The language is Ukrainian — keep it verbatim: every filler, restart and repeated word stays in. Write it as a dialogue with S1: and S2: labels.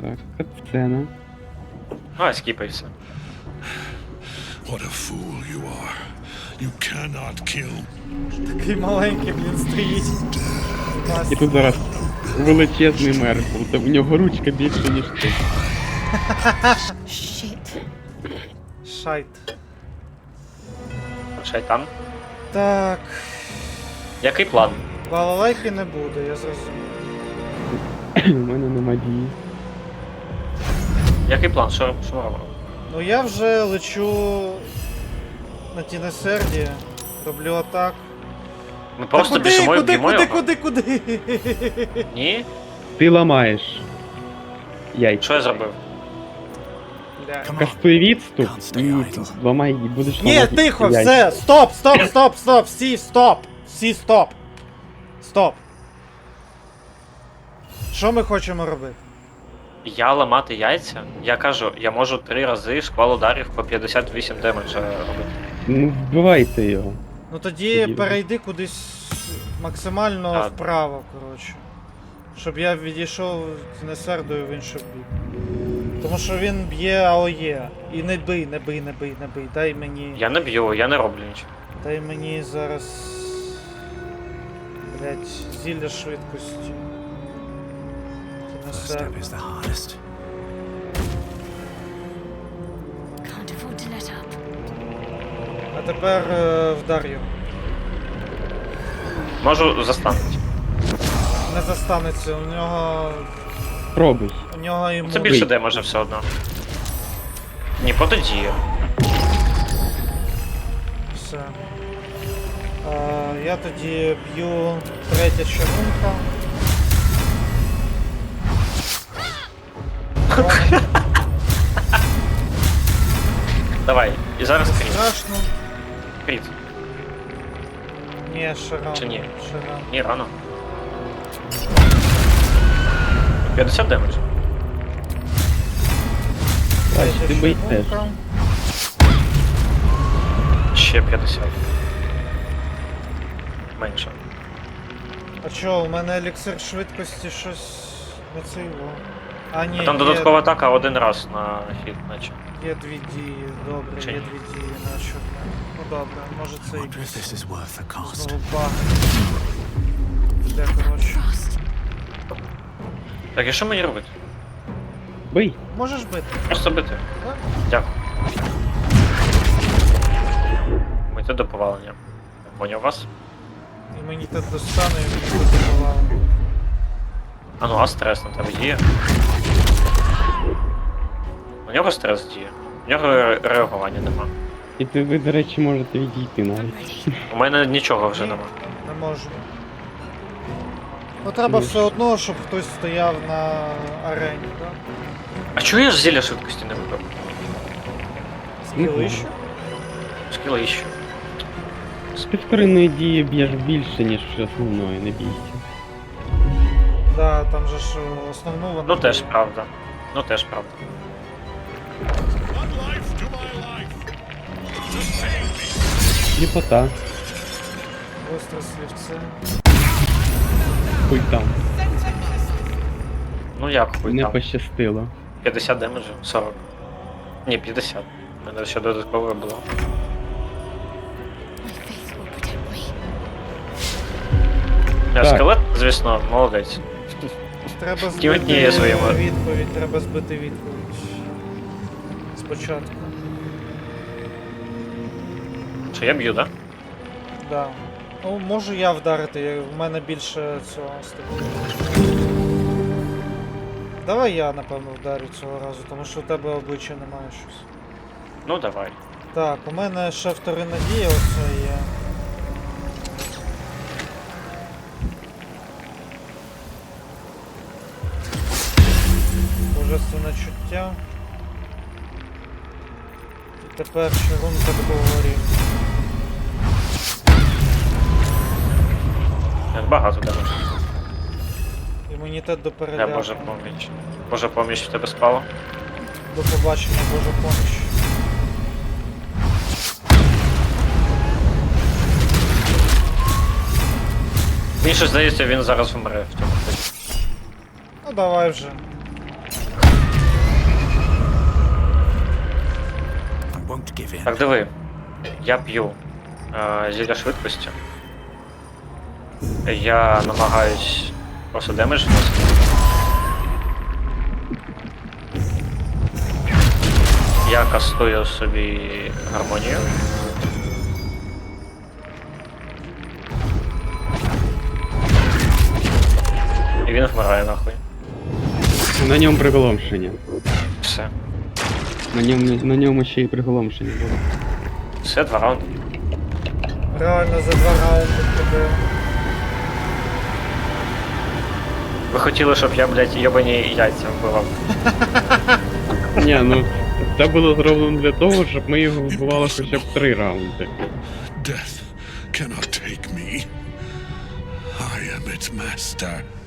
S1: Так, катсцена.
S2: А, скіпайся.
S3: What a fool you are. You cannot kill.
S4: Такий маленький, блін, стоїть.
S1: І тут зараз величезний Меркл, та в нього ручка більше, ніж ти.
S5: Shit.
S4: Шайт.
S2: Шайтан.
S4: Так.
S2: Який план?
S4: Балалайки не буде, я зрозумів.
S1: У мене нема дії.
S2: Який план? Що, що ми робимо?
S4: Ну я вже лечу на Тінесерді, роблю атак.
S2: Ми просто
S4: Та
S2: біжимо і
S4: куди,
S2: б'ємо
S4: куди,
S2: його?
S4: куди, куди, куди?
S2: Ні?
S1: Ти ламаєш яйця.
S2: Що я зробив?
S4: Бля.
S1: Кастуй відступ і ламай, і будеш
S4: Ні,
S1: ламати
S4: тихо,
S1: яйця.
S4: все, стоп, стоп, стоп, стоп, всі, стоп, всі, стоп. Стоп. Що ми хочемо робити?
S2: Я ламати яйця? Я кажу, я можу три рази шквал ударів по п'ятдесят вісім демеджа робити.
S1: Ну вбивайте його.
S4: Ну тоді
S1: Тоді-
S4: перейди кудись максимально
S2: А.
S4: вправо, коротше. Щоб я відійшов Тінесердою в інший бік. Тому що він б'є АОЄ. І не бий, не бий, не бий, не бий. Дай мені.
S2: Я не б'ю, я не роблю нічого.
S4: Дай мені зараз. Блять, зілля швидкості. Тінесерд.
S5: Can't afford to let up.
S4: А тепер е, вдар його.
S2: Можу застанути.
S4: Не застанеться, у нього.
S1: Пробуй.
S4: У нього йому.
S2: Це більше демеджа все одно. Ні, протидіє.
S4: Все. А, я тоді б'ю третя чарунка.
S2: Давай, і зараз кріт.
S4: Страшно.
S2: Кріт.
S4: Ні, ще рано.
S2: Чи ні?
S4: Ще рано.
S2: Ні, рано. п'ятдесят демеджа.
S1: Бач,
S4: Третя
S1: ти бий теж.
S4: чарунка.
S2: Ще п'ятдесят. Менше.
S4: А чо, у мене еліксир швидкості щось не це його. А ні,
S2: Там
S4: є,
S2: додаткова атака один раз на хід, наче.
S4: є дві дії, добре,
S2: Чи
S4: є
S2: ні?
S4: дві дії на чорне. Ну добре, може це якийсь
S5: is worth the cost.
S4: знову баг. Де, коротше.
S5: Frost.
S2: Так, і що мені робити?
S1: Бий.
S4: Можеш бити?
S2: Просто бити.
S4: Да?
S2: Дякую. Мити до повалення. Я поняв вас.
S4: Імунітет достану і мені подивувало.
S2: А ну, а стрес на тебе діє? У нього стрес діє. У нього ре- реагування нема.
S1: І ти, ви, до речі, можете відійти навіть.
S5: Ready.
S2: У мене нічого вже нема.
S4: Не можу. Ну треба все одно, щоб хтось стояв на арені, так?
S2: А чого я ж зілля швидкості не вибив?
S4: Скіли ще?
S2: Скіли іще.
S1: З підкоренної дії б'єш більше, ніж основної, не бійся.
S4: Да, там же ж основну вона.
S2: Ну теж правда. Ну теж правда.
S3: One life to my life. Sustain me.
S1: Сліпота.
S4: Гостре слівце.
S1: Хуй там.
S2: Ну як хуй
S1: Не
S2: там?
S1: пощастило.
S2: п'ятдесят демеджів? сорок. Ні, п'ятдесят. У мене ще додаткове було.
S5: My faith will protect me.
S2: Я
S1: Так.
S2: скелет, звісно, молодець.
S4: Треба
S2: Ті одні є
S4: збити
S2: своєму.
S4: відповідь, треба збити відповідь. Спочатку.
S2: Що я б'ю, да?
S4: Да. Ну, можу я вдарити, я- в мене більше цього стабілю. Давай я, напевно, вдарю цього разу, тому що у тебе обличчя немає щось.
S2: Ну давай.
S4: Так, у мене ще вторинна дія оце є. Божественне чуття. І тепер чарунка такого рівня.
S2: Як багато демеджів.
S4: Імунітет до
S2: Я
S4: переляку.
S2: Божа поміч. Божа поміч в тебе спала.
S4: До побачення, Божа поміч.
S2: Мені щось здається, він зараз вмре в цьому ході.
S4: Ну давай вже.
S5: I won't give in.
S2: Так, диви. Я п'ю е, зілля швидкості. Я намагаюсь просто демедж вносити. Я кастую собі гармонію. І він вмирає нахуй.
S1: На ньому приголомшення.
S2: Все.
S1: На ньому, на ньому ще й приголомшення було.
S2: Все, два раунди.
S4: Реально за два раунди тебе.
S2: Ви хотіли, щоб я, блядь, йобані яйця вбивав.
S1: Ні, ну це було зроблено для того, щоб ми його вбивали хоча б три раунди.
S3: Death cannot take me. I am its master.